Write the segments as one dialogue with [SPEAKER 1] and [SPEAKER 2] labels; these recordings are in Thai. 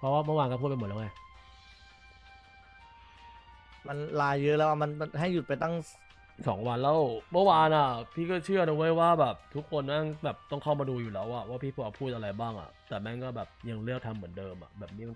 [SPEAKER 1] ราะว่าเมื่อวานก็พูดไปหมดแล้วไง
[SPEAKER 2] มันลายเยอะแล้วอะมันให้หยุดไปตั้ง
[SPEAKER 1] 2 วันแล้วเมื่อวานอ่ะพี่ก็เชื่อนะเว้ยว่าแบบทุกคนแม่งแบบต้องเข้ามาดูอยู่แล้วอะว่าพี่พูดอะไรบ้างอะแต่แม่งก็แบบยังเลือกทำเหมือนเดิมอะแบบนี้มันก็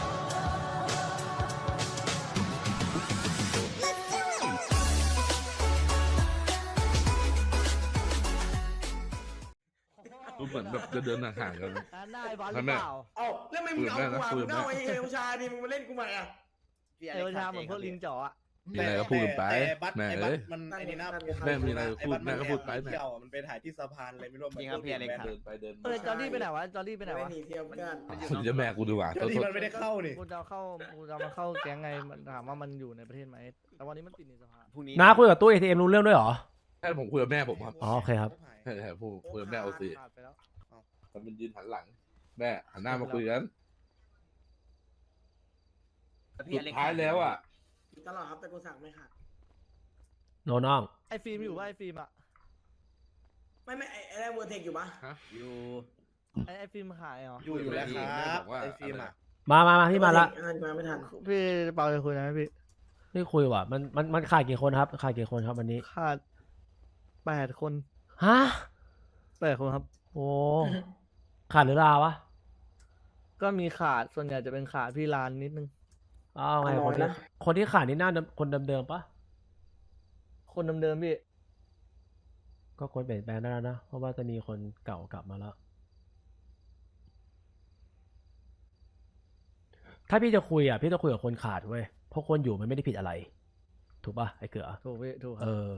[SPEAKER 3] ดูเหมือนแบบจะเดินห่างๆกัน
[SPEAKER 2] ได้บอลหรือเปล่า
[SPEAKER 4] เอ้าแล้วไม่มึงเอากูอ่ะมึงเอาไอ้เอลชาดิมึงมาเล่นกูใหม่อ่ะ
[SPEAKER 2] เอวชาเหมือนพวกลิงจ๋ออะ
[SPEAKER 3] มีอะไรก็พูดกันไป
[SPEAKER 5] แต่บัต
[SPEAKER 3] แม่
[SPEAKER 5] ไอ้บั
[SPEAKER 3] เอ้
[SPEAKER 5] ต
[SPEAKER 3] ย
[SPEAKER 5] มันไอ้นี่นะ
[SPEAKER 3] แม่มีอะไรก็พูดแม่ก็พูดไป
[SPEAKER 5] เที่ยวอะมันไปถ่ายที่สะพานอะไรไม่รู้มัน
[SPEAKER 6] จริงครับพี่อเล็กซ์
[SPEAKER 3] เดินไปเดิน
[SPEAKER 2] เออจอร์ดี้ไปไหนวะจอร์ดี้ไปไหน
[SPEAKER 4] ไม่
[SPEAKER 2] วะ
[SPEAKER 4] หนีเที่ยวเพื่อน
[SPEAKER 3] ผมจะแม่กูดีกว่า
[SPEAKER 5] เดี๋ยวนี้มันไม่ได้เข้านี่
[SPEAKER 2] กูจะมาเข้าแก๊งไงมันถามว่ามันอยู่ในประเทศไหมแต่วันนี้มันติดในสภา
[SPEAKER 6] พรุ่งนี้
[SPEAKER 1] น้าคุยกับตู้ ATM รู้เรื่องด้วยเหรอ
[SPEAKER 3] ใช่ผมคุยกับแม่ผมครับ
[SPEAKER 1] อ๋อโอเคครับ
[SPEAKER 3] ใช่ใช่พูดคุยกับแม่เอาสิ
[SPEAKER 2] ขาดไปแล้ว
[SPEAKER 3] มันเป็นยืนหันหลัง แม่หันหน้ามาคุยกัน
[SPEAKER 6] พี่
[SPEAKER 3] สุ
[SPEAKER 6] อ
[SPEAKER 3] ด
[SPEAKER 6] เล็กซ์
[SPEAKER 3] ท้ายแล้วอ่ะ
[SPEAKER 4] ตลอดครับแต่กูสั่งไม่ขาด
[SPEAKER 1] โนน้อง
[SPEAKER 2] ไอ้ฟิล์มอยู่ป่ะไอ้ฟิล์มอะ
[SPEAKER 4] ไม่ไอ้เวอร์เทคอยู่ปะ
[SPEAKER 6] อยู่
[SPEAKER 2] ไอ้ฟิล์มขายเหรอ
[SPEAKER 5] อยู่แล้วครับไอ้ฟิล์มอ่ะ
[SPEAKER 1] มาพี่มาละ
[SPEAKER 4] มาไม่ทัน
[SPEAKER 2] พี่เปาจะคุยนะพี่
[SPEAKER 1] นี่คุยว่ะมันขาดกี่คนครับขาดกี่คนครับวันนี้
[SPEAKER 2] ขาด8 คน
[SPEAKER 1] ฮะ
[SPEAKER 2] 8 คนครับ
[SPEAKER 1] โอ้ขาดหรือลาวะ
[SPEAKER 2] ก็มีขาดส่วนใหญ่จะเป็นขาดพี่ลานนิดนึง
[SPEAKER 1] อ้าวไงคนที่ขาดนี่หน้าคนเดิมๆปะ
[SPEAKER 2] คนเดิมๆพี่
[SPEAKER 1] ก็คนเปลี่ยนแปลงได้แล้วนะเพราะว่าจะมีคนเก่ากลับมาแล้ว ถ้าพี่จะคุยอ่ะพี่จะคุยกับคนขาดเว้ยเพราะคนอยู่มันไม่ได้ผิดอะไร ถูกป่ะไอ้เก๋อ
[SPEAKER 2] ถูกพี่ถูกค
[SPEAKER 1] เอ
[SPEAKER 2] รับ
[SPEAKER 1] อ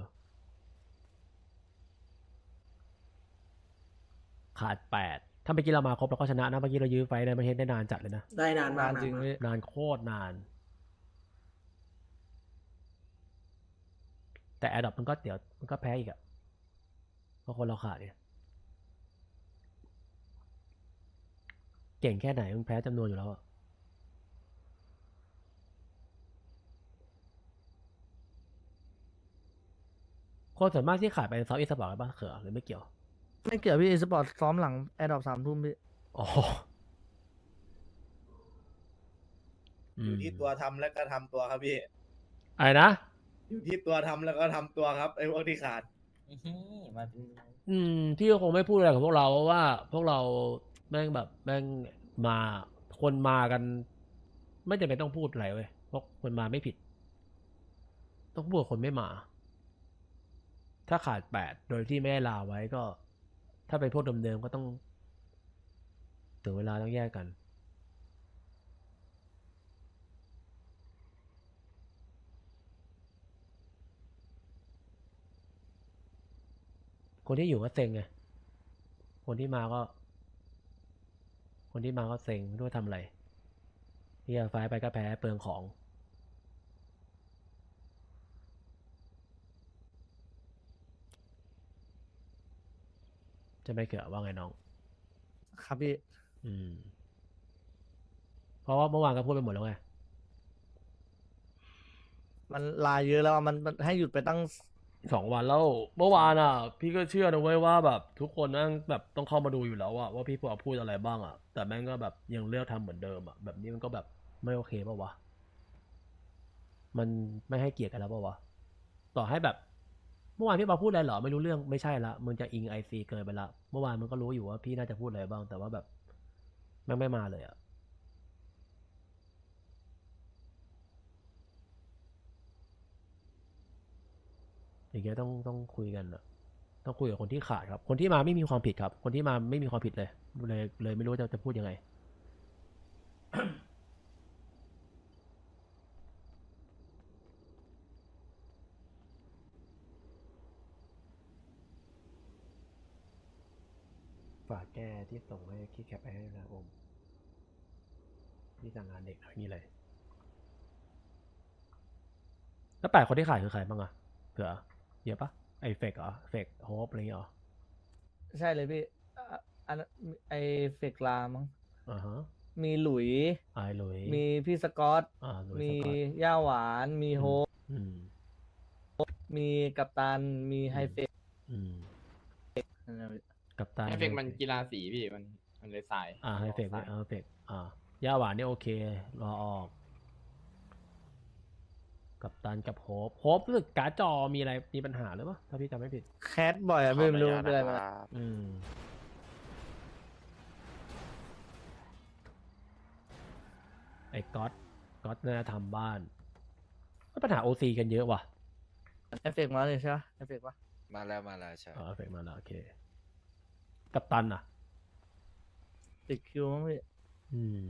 [SPEAKER 1] ขาด8ถ้าเมื่อกี้เรามาครบเราก็ชนะนะเมื่อกี้เรายื้อไฟได้ไม่เห็นได้นานจัดเลยนะ
[SPEAKER 4] ได้นานมาน
[SPEAKER 2] าก นจริงพี่
[SPEAKER 1] นานโคตรนาน แต่แอดดอปมันก็เดี๋ยวมันก็แพ้อีกอะเพราะคนเราขาดเนี่ยเก่งแค่ไหนมึงแพ้จำนวนอยู่แล้วอะคนส่วนมากที่ขาดไปเซาท์อีสปอร์ตบ้างเขือหรือไม่เกี่ยว
[SPEAKER 2] ไม่เกี่ยวพี่สปอร์ตซ้อมหลังแอร์ดรอป3 ทุ่มพี่
[SPEAKER 1] อ๋อ
[SPEAKER 5] อยู่ที่ตัวทำแล้วก็ทำตัวครับพี่
[SPEAKER 1] อะไรนะ
[SPEAKER 5] อยู่ที่ตัวทำแล้วก็ทำตัวครับไอ้พวกที่ขาด
[SPEAKER 6] มาเป็น
[SPEAKER 1] พี่ก็คงไม่พูดอะไรกับพวกเราเพราะว่าพวกเราแม่งแบบแม่งมาคนมากัน ไม่จำเป็นต้องพูดอะไรเว้ยเพราะคนมาไม่ผิด ต้องพูดกับคนไม่มา ถ้าขาด8โดยที่ไม่ได้ลาไว้ก็ ถ้าเป็นพวกเดิมๆก็ต้องถึงเวลาต้องแยกกัน คนที่อยู่ก็เซ็งไง คนที่มาก็ เซ็งไม่รู้ว่าทำอะไรเฮียไฟไปก็แพ้เปลืองของ จะไม่เกี่ยวว่าไงน้อง
[SPEAKER 2] ครับพี่
[SPEAKER 1] เพราะว่าเมื่อวานก็พูดไปหมดแล้วไง
[SPEAKER 2] มันลายเยอะแล้วอะมันให้หยุดไปตั้ง
[SPEAKER 1] 2 วันแล้วเมื่อวานอ่ะ พี่ก็เชื่อนะเว้ยว่าแบบทุกคนแม่งแบบต้องเข้ามาดูอยู่แล้วอะว่าพี่พูดอะไรบ้างอะแต่แม่งก็แบบยังเลือกทำเหมือนเดิมอะแบบนี้มันก็แบบไม่โอเคป่าวะมันไม่ให้เกียรติกันแล้วป่าวะต่อให้แบบเมื่อวานพี่มาพูดอะไรเหรอไม่รู้เรื่องไม่ใช่ละมึงจะอิงICเกินไปละเมื่อวานมันก็รู้อยู่ว่าพี่น่าจะพูดอะไรบ้างแต่ว่าแบบแม่งไม่มาเลยอะอย่างเงี้ยต้องคุยกันอะต้องคุยกับคนที่ขาดครับ คนที่มาไม่มีความผิดครับ คนที่มาไม่มีความผิดเลยไม่รู้จะพูดยังไง ฝากแก้ที่ส่งให้ที่แคปไปให้นะอมที่สั่งงานเด็กอะไรนี่เลย แล้ว8 คนที่ขายคือใครบ้างอะเผื่อเยอะปะไอเฟกเหรอเฟกโฮปอะไรเงี้ยเหรอ
[SPEAKER 2] ใช่เลยพี่อันนั้นไอเฟกลามั้ง
[SPEAKER 1] อ่าฮะ
[SPEAKER 2] มีหลุย
[SPEAKER 1] ไอหลุย
[SPEAKER 2] มีพี่สกอต
[SPEAKER 1] หลุย
[SPEAKER 2] มี
[SPEAKER 1] สกอต
[SPEAKER 2] ย่าหวาน มีโฮป
[SPEAKER 1] อืม
[SPEAKER 2] มีกัปตัน มีไฮเฟก
[SPEAKER 1] อืม
[SPEAKER 2] นั่นแหละพี่
[SPEAKER 1] กับตา
[SPEAKER 7] ไฮเฟกมันกีฬาสีพี่มันเลยสาย
[SPEAKER 1] ไฮเฟก
[SPEAKER 7] สาย
[SPEAKER 1] ไฮเฟกย่าหวานนี่โอเครอออก กับตันกับโฮปรู้สึกการ์ดจอมีอะไรมีปัญหาหรือเปล่าถ้าพี่จำไม่ผิด
[SPEAKER 2] แคทบ่อยอะพี่ไม่รู้เป็นอะไรมา
[SPEAKER 1] อืมไอ้ก๊อตน่าจะทำบ้านปัญหาโอซีกันเยอะว่ะ
[SPEAKER 2] เอฟเฟกต์มาเลยใช่ไหมเอฟเฟกต์ปะ
[SPEAKER 7] มาแล้วใช่
[SPEAKER 1] เอฟเฟกมาแล้วโอเค กับตันอ่ะ
[SPEAKER 2] ติดคิวมั้งพี่
[SPEAKER 1] อืม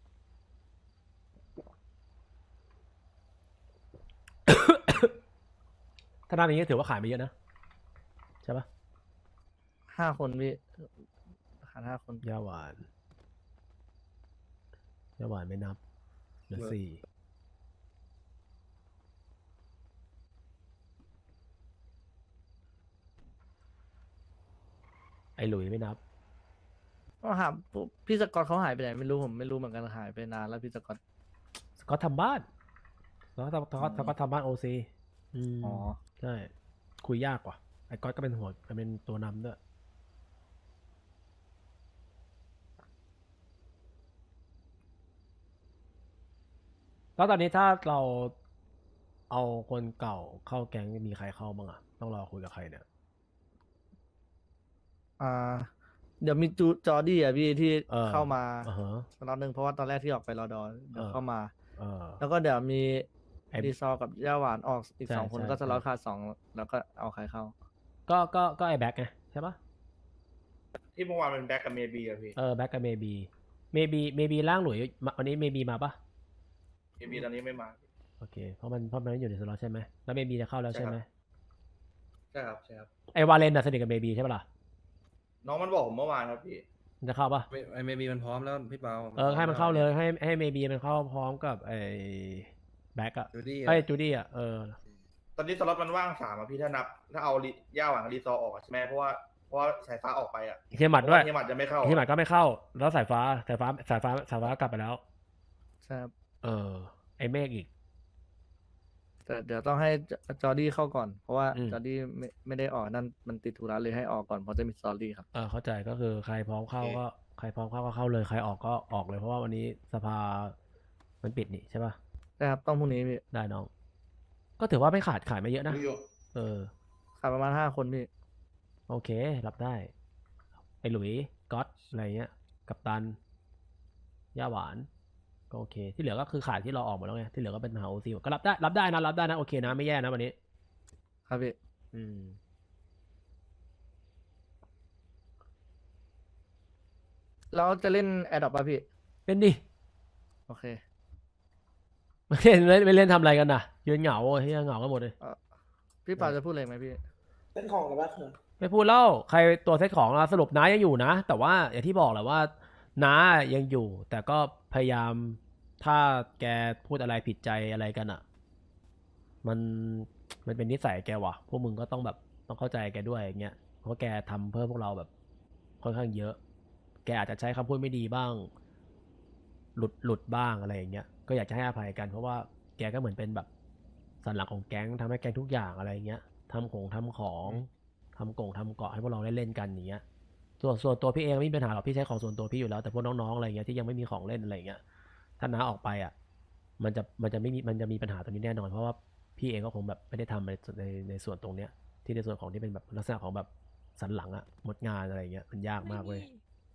[SPEAKER 1] ถ้าด้านนี้ถือว่าขายไปเยอะนะ ใช่ปะ
[SPEAKER 2] 5 คนพี่ขาด5 คน
[SPEAKER 1] ย่าหวานไม่นับเหลือ4ไอ้หลุยไม่นับ
[SPEAKER 2] ก็หาพี่สกอตเขาหายไปไหนไม่รู้ผมไม่รู้เหมือนกันหายไปนานแล้วพี่สกอต
[SPEAKER 1] สก็อตทำบ้านสก็อตทำบ้านโอซี
[SPEAKER 2] อ๋อ
[SPEAKER 1] ใช่ คุยยากกว่า ไอ้ก๊อตก็เป็นหัวเป็นตัวนำด้วย แล้วตอนนี้ถ้าเราเอาคนเก่าเข้าแก๊งมีใครเข้าบ้างอะต้องรอคุยกับใครเนี่ย
[SPEAKER 2] เดี๋ยวมีจอร์ดี้อ่ะพี่ที่
[SPEAKER 1] เออ
[SPEAKER 2] เข้ามา
[SPEAKER 1] อ่าฮะ
[SPEAKER 2] ตอนนึงเพราะว่าตอนแรกที่ออกไปรอดอเดี๋ยวเข้ามา
[SPEAKER 1] เออ
[SPEAKER 2] แล้วก็เดี๋ยวมี
[SPEAKER 1] ไอ้
[SPEAKER 2] ดีซอร์กับย่าหวานออกอีก
[SPEAKER 1] ใช่
[SPEAKER 2] 2 คน
[SPEAKER 1] ใช่
[SPEAKER 2] ก็สล็อต
[SPEAKER 1] ใช่
[SPEAKER 2] ขาด2แล้วก็เอาใครเข้า
[SPEAKER 1] ก็ไอ้แบ็คไงใช่ปะ
[SPEAKER 4] ที่เมื่อวานเป็นแบ็กกับเมบีอะพี่
[SPEAKER 1] แบ็คกับเมบีร่างหลุยวันนี้เมบีมาปะ
[SPEAKER 4] เมบีตอนนี้ไม่มา
[SPEAKER 1] โอเคเพราะมันอยู่ในสล็อตใช่ไหมแล้วเมบีจะเข้าแล้วใช่ไหม
[SPEAKER 4] ใช่ครับใช่ครับ
[SPEAKER 1] ไอ้วาเลนน่ะสนิทกับเมบีใช่ปะล่ะ
[SPEAKER 4] น้องมันบอกผมเมื่อวานครับพี่
[SPEAKER 1] มันจะเข้าปะ
[SPEAKER 3] ไม่มีมันพร้อมแล้วพี่เปา
[SPEAKER 1] ให้มันเข้าเลยให้เมบีมันเข้าพร้อมกับไอ้แบ็คอะ
[SPEAKER 3] จูดี้
[SPEAKER 1] ไอ้จูดี้อะ
[SPEAKER 4] ตอนนี้สล็อตมันว่าง3อะพี่ถ้านับถ้าเอาย่าหวังรีซอร์ออกอะใช่ไหมเพราะว่าสายฟ้าออกไปอะ
[SPEAKER 1] เฮียหมัดด้วย
[SPEAKER 4] เฮียหมัดจะไม่เข้า
[SPEAKER 1] เฮียหมัดก็ไม่เข้า แล้วสายฟ้ากลับไปแล้ว
[SPEAKER 2] ใช่ครับ
[SPEAKER 1] ไอ้เมฆอีก
[SPEAKER 2] แต่เดี๋ยวต้องให้จอร์ดี้เข้าก่อน เพราะว่า
[SPEAKER 1] อืม
[SPEAKER 2] จอร์ดี้ไม่ได้ออกนั่นมันติดธุระเลยให้ออกก่อนเพราะจะมีสตอรี่ครับ
[SPEAKER 1] เข้าใจก็คือใครพร้อมเข้าก็เข้าเลยใครออกก็ออกเลยเพราะว่าวันนี้สภามันปิดนี่ใช่ปะ
[SPEAKER 2] ใช่ครับต้องพรุ่งนี้พี่
[SPEAKER 1] ได้น้อง ก็ถือว่าไม่ขายไม่เยอะนะ
[SPEAKER 2] ขาดประมาณ5 คนพี่
[SPEAKER 1] โอเครับได้ ไอ้หลุยก๊อตอะไรเงี้ย กัปตัน ย่าหวาน ก็โอเค ที่เหลือก็คือขายที่เราออกหมดแล้วไง ที่เหลือก็เป็นหาโอซีก็รับได้นะ โอเคนะ ไม่แย่นะวันนี้
[SPEAKER 2] ครับพี่
[SPEAKER 1] อืม
[SPEAKER 2] แล้วจะเล่นแอดดอปป่ะพี่
[SPEAKER 1] เป็นดิ
[SPEAKER 2] โอเค
[SPEAKER 1] ไม่เล่นทำอะไรกันน่ะ ยืนเหงาเฮียเหงากันหมดเลย
[SPEAKER 2] พี่ปาจะพูดอะไรไหมพี่
[SPEAKER 4] เป็นของหรือว่าคือ
[SPEAKER 1] ไม่พูดเล่าใครตัวเซตของเราสรุปน้ายังอยู่นะ แต่ว่าอย่างที่บอกแหละว่าน้ายังอยู่ แต่ก็พยายามถ้าแกพูดอะไรผิดใจอะไรกันอ่ะ มันเป็นนิสัยแกว่ะพวกมึงก็ต้องแบบต้องเข้าใจแกด้วยอย่างเงี้ยเพราะแกทำเพื่อพวกเราแบบค่อนข้างเยอะ แกอาจจะใช้คำพูดไม่ดีบ้าง หลุดบ้างอะไรอย่างเงี้ยก็อยากจะให้อภัยกันเพราะว่าแกก็เหมือนเป็นแบบสันหลังของแก๊งทำให้แก๊งทุกอย่างอะไรเงี้ยทำของทำเกาะให้พวกเราได้เล่นกันอย่างเงี้ยส่วนตัวพี่เองไม่มีปัญหาหรอกพี่ใช้ของส่วนตัวพี่อยู่แล้วแต่พวกน้องๆอะไรเงี้ยที่ยังไม่มีของเล่นอะไรเงี้ยถ้าน้าออกไปอ่ะมันจะมีปัญหาตรงนี้แน่นอนเพราะว่าพี่เองก็คงแบบไม่ได้ทำในส่วนตรงเนี้ยที่ในส่วนของที่เป็นแบบลักษณะของแบบสันหลังอ่ะหมดงานอะไรเงี้ยมันยากมากเว้ย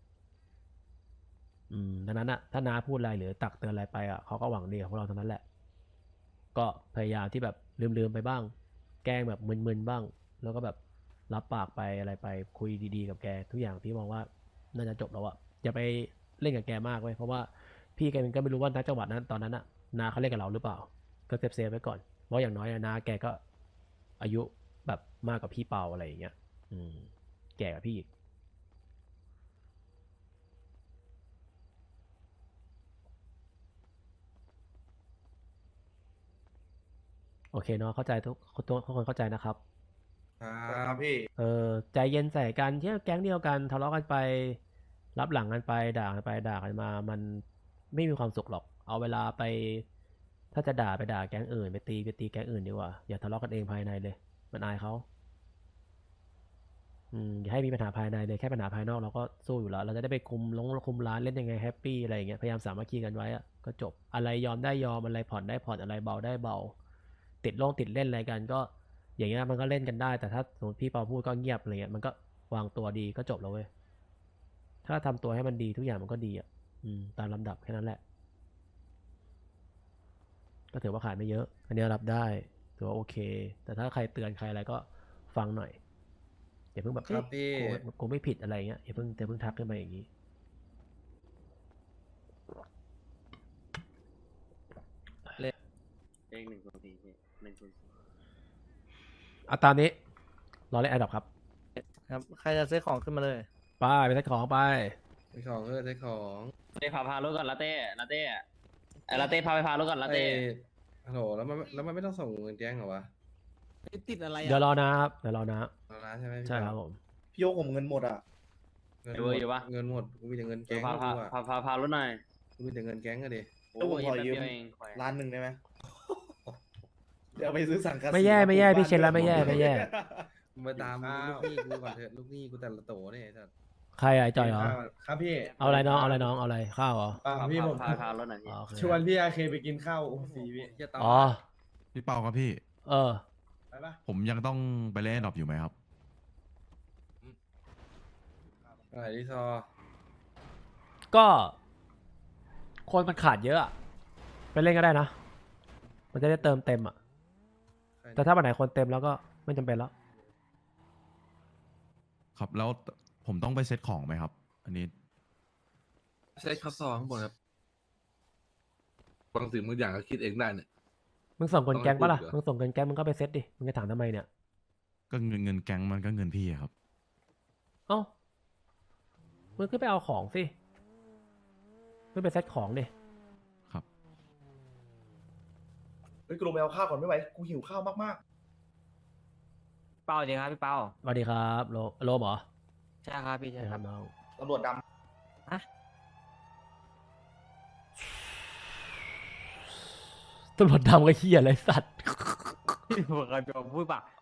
[SPEAKER 1] ดังนั้นอะถ้าน้าพูดอะไรหรือตักเตือนอะไรไปอะเขาก็หวังดีกับพวกเราทั้งนั้นแหละก็พยายามที่แบบลืมไปบ้างแกล้งแบบมึนๆบ้างแล้วก็แบบรับปากไปอะไรไปคุยดีๆกับแกทุกอย่างพี่มองว่าน่าจะจบแล้วอะอย่าไปเล่นกับแกมากเว้ยเพราะว่าพี่แกก็ไม่รู้ว่าณจังหวะนั้นตอนนั้นอะน้าเขาเล่นกับเราหรือเปล่าก็เซฟไว้ก่อนเพราะอย่างน้อยน้าแกก็อายุแบบมากกว่าพี่เปาอะไรอย่างเงี้ยแก่กว่าพี่อีกโอเคเนาะเข้าใจทุกคนเข้าใจนะครับ
[SPEAKER 4] ครับพี่
[SPEAKER 1] ใจเย็นใส่กันเที่ยวแก๊งเดียวกันทะเลาะกันไป รับหลังกันไปด่ากันไปด่ากันมา มันไม่มีความสุขหรอก เอาเวลาไป ถ้าจะด่าไปด่าแก๊งอื่นไปตีแก๊งอื่นดีกว่าอย่าทะเลาะกันเองภายในเลย มันอายเขาอย่าให้มีปัญหาภายในเลยแค่ปัญหาภายนอกเราก็สู้อยู่แล้ว เราจะได้ไปคุมร้านเล่นยังไงแฮปปี้อะไรอย่างเงี้ยพยายามสามัคคีกันไว้อะก็จบอะไรยอมได้ยอมอะไรผ่อนได้ผ่อนอะไรเบาได้เบา ติดเล่นอะไรกันก็ อย่างเงี้ยมันก็เล่นกันได้ แต่ถ้าสมมติพี่เปาพูดก็เงียบอะไรเงี้ยมันก็วางตัวดีก็จบแล้วเว้ยถ้าทำตัวให้มันดีทุกอย่างมันก็ดีอ่ะตามลำดับแค่นั้นแหละ ก็ถือว่าขายไม่เยอะ อันนี้รับได้ถือว่าโอเค แต่ถ้าใครเตือนใครอะไรก็ฟังหน่อยอย่าเพิ่งแบบ
[SPEAKER 7] ครับพี่
[SPEAKER 1] กูไม่ผิดอะไรเงี้ยอย่าเพิ่งทักขึ้นมาอย่างนี้
[SPEAKER 8] เลข104พี่104
[SPEAKER 1] เอาตามนี้รอเล่นแอดดับครับ
[SPEAKER 2] ครับใครจะซื้อของขึ้นมาเลย
[SPEAKER 1] ไปใส่ของไป
[SPEAKER 7] ใช้ของใช้ของ
[SPEAKER 8] เต้พารถก่อนลาเต้ลาเต้ลาเต้พาไปพารถก่อนลาเต้
[SPEAKER 7] ฮัลโหลแล้วมันไม่ต้องส่งเงินแจ้งเหรอวะ
[SPEAKER 5] ติดอะไร
[SPEAKER 1] เดี๋ยวรอนะครับเดี๋ยวรอนะ
[SPEAKER 7] เอาละใช่ไหมพี่
[SPEAKER 1] ใช่ครับผม
[SPEAKER 4] พี่โยกผมเงินหมดอ่ะ
[SPEAKER 7] เงินหมดเงินหมดกูมีแต่เงินแก๊ง
[SPEAKER 8] พา
[SPEAKER 7] กูอะ
[SPEAKER 8] พารถหน่อย
[SPEAKER 7] กูมีแต่เงินแก๊งอะดิ
[SPEAKER 4] แล้วผมขอยืม
[SPEAKER 8] แป๊บเดีวเอง
[SPEAKER 4] ล้านหนึ่งได้ไหม เดี๋ยวไปซื้อสังกัด
[SPEAKER 1] ไม่แย่พี่เชนแล้วไม่แย่
[SPEAKER 7] มึงไปตามลูกหนี้กูก่อนเถอะลูกหนี้กูแต่ละโตเนี่ยไอ้สัส
[SPEAKER 1] ใครอะไอ้จอยเหรอ
[SPEAKER 9] ครับพี่
[SPEAKER 1] เอาอะไรน้องเอาอะไรข้าวเหรอ
[SPEAKER 9] พี่ผม
[SPEAKER 8] พารถหน่อยพี่
[SPEAKER 1] อ๋อโอเค
[SPEAKER 9] ชวนพี่อาเคไปกินข้าวโอ้สีพี่
[SPEAKER 7] เหี้ยตาม
[SPEAKER 1] อ๋อ
[SPEAKER 10] พี่เปาครับพี่
[SPEAKER 1] เออ
[SPEAKER 9] ไปปะ
[SPEAKER 10] ผมยังต้องไปเล่นดรอปอยู่ไหมครับ
[SPEAKER 7] อะไรที่ซอ
[SPEAKER 1] ก็คนมันขาดเยอะอะไปเล่นก็ได้นะ มันจะได้เติมเต็มอ่ะ แต่ถ้าวันไหนคนเต็มแล้วก็ไม่จำเป็นแล้ว
[SPEAKER 10] ครับแล้วผมต้องไปเซตของไหมครับ อันนี้
[SPEAKER 3] ใช้ข้าวซองข้างบนครับบางสิ่งบางอย่างก็คิดเองได้เนี่ย
[SPEAKER 1] มึงส่งเงินแก๊งปะล่ะ
[SPEAKER 3] ต้องให้พูดเหรอ
[SPEAKER 1] มึงส่งเงินแก๊งมึงก็ไปเซ็ตดิ มึงจะถามทำไมเนี่ย
[SPEAKER 10] ก็เงินแก๊งมันก็เงินพี่อะครับ
[SPEAKER 1] เอ้า มึงขึ้นไปเอาของสิ ขึ้นไปเซ็ตของดิ
[SPEAKER 10] ครับ
[SPEAKER 4] เฮ้ยกูลงไปเอาข้าวก่อนไม่ไหวกูหิวข้าวมาก
[SPEAKER 6] เปาจริงครับพี่เปา
[SPEAKER 1] สวัสดีครับโลมเหรอ
[SPEAKER 6] ใช่ครับพี่
[SPEAKER 1] ใช่
[SPEAKER 6] ใช่
[SPEAKER 1] ค
[SPEAKER 6] ค
[SPEAKER 1] รั
[SPEAKER 6] รั
[SPEAKER 1] บบ น้อง
[SPEAKER 4] ๆตำรวจด
[SPEAKER 1] ตำรวจดำก็เฮียอะไรสัตว์
[SPEAKER 6] พี่ผมเคยพูดปะ